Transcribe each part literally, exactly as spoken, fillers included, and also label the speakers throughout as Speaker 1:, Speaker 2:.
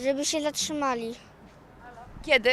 Speaker 1: Żeby się zatrzymali.
Speaker 2: Kiedy?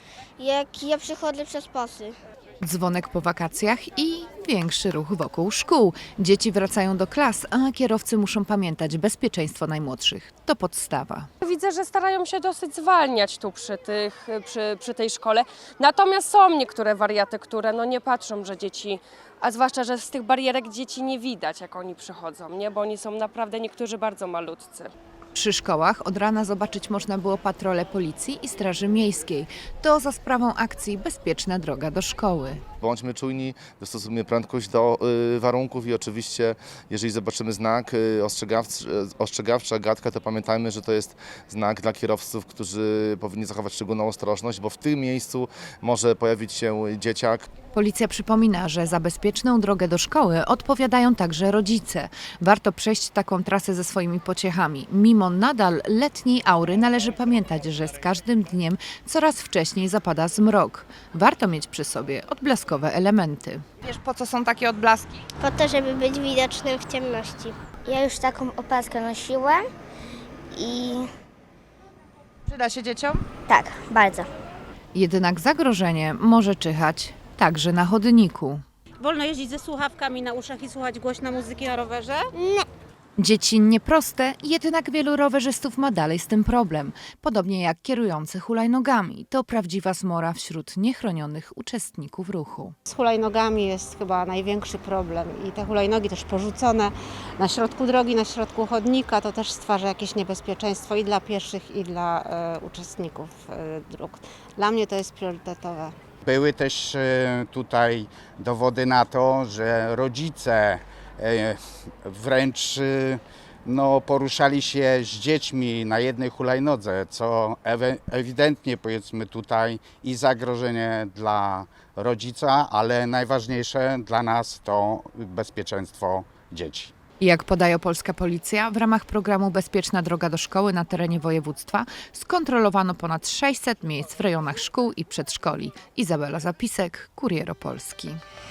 Speaker 1: Jak ja przychodzę przez pasy.
Speaker 3: Dzwonek po wakacjach i większy ruch wokół szkół. Dzieci wracają do klas, a kierowcy muszą pamiętać bezpieczeństwo najmłodszych. To podstawa.
Speaker 4: Widzę, że starają się dosyć zwalniać tu przy, tych, przy, przy tej szkole. Natomiast są niektóre wariaty, które no nie patrzą, że dzieci, a zwłaszcza, że z tych barierek dzieci nie widać, jak oni przychodzą, nie? Bo oni są naprawdę niektórzy bardzo malutcy.
Speaker 3: Przy szkołach od rana zobaczyć można było patrole policji i straży miejskiej. To za sprawą akcji Bezpieczna droga do szkoły.
Speaker 5: Bądźmy czujni, dostosujmy prędkość do y, warunków i oczywiście, jeżeli zobaczymy znak y, ostrzegawczy, ostrzegawczy, agatka, to pamiętajmy, że to jest znak dla kierowców, którzy powinni zachować szczególną ostrożność, bo w tym miejscu może pojawić się dzieciak.
Speaker 3: Policja przypomina, że za bezpieczną drogę do szkoły odpowiadają także rodzice. Warto przejść taką trasę ze swoimi pociechami. Mimo nadal letniej aury należy pamiętać, że z każdym dniem coraz wcześniej zapada zmrok. Warto mieć przy sobie odblaskowe elementy.
Speaker 2: Wiesz, po co są takie odblaski?
Speaker 1: Po to, żeby być widocznym w ciemności. Ja już taką opaskę nosiłem i
Speaker 2: Przyda się dzieciom?
Speaker 1: tak, bardzo.
Speaker 3: Jednak zagrożenie może czyhać także na chodniku.
Speaker 6: Wolno jeździć ze słuchawkami na uszach i słuchać głośno muzyki na rowerze?
Speaker 3: Dzieci nieproste, jednak wielu rowerzystów ma dalej z tym problem. Podobnie jak kierujący hulajnogami. To prawdziwa zmora wśród niechronionych uczestników ruchu.
Speaker 6: Z hulajnogami jest chyba największy problem i te hulajnogi też porzucone na środku drogi, na środku chodnika, to też stwarza jakieś niebezpieczeństwo i dla pieszych, i dla e, uczestników e, dróg. Dla mnie to jest priorytetowe.
Speaker 7: Były też e, tutaj dowody na to, że rodzice e, wręcz e, no, poruszali się z dziećmi na jednej hulajnodze, co ewe- ewidentnie powiedzmy tutaj i zagrożenie dla rodzica, ale najważniejsze dla nas to bezpieczeństwo dzieci.
Speaker 3: Jak podaje polska policja, w ramach programu Bezpieczna droga do szkoły na terenie województwa skontrolowano ponad sześćset miejsc w rejonach szkół i przedszkoli. Izabela Zapisek, Kurier Opolski.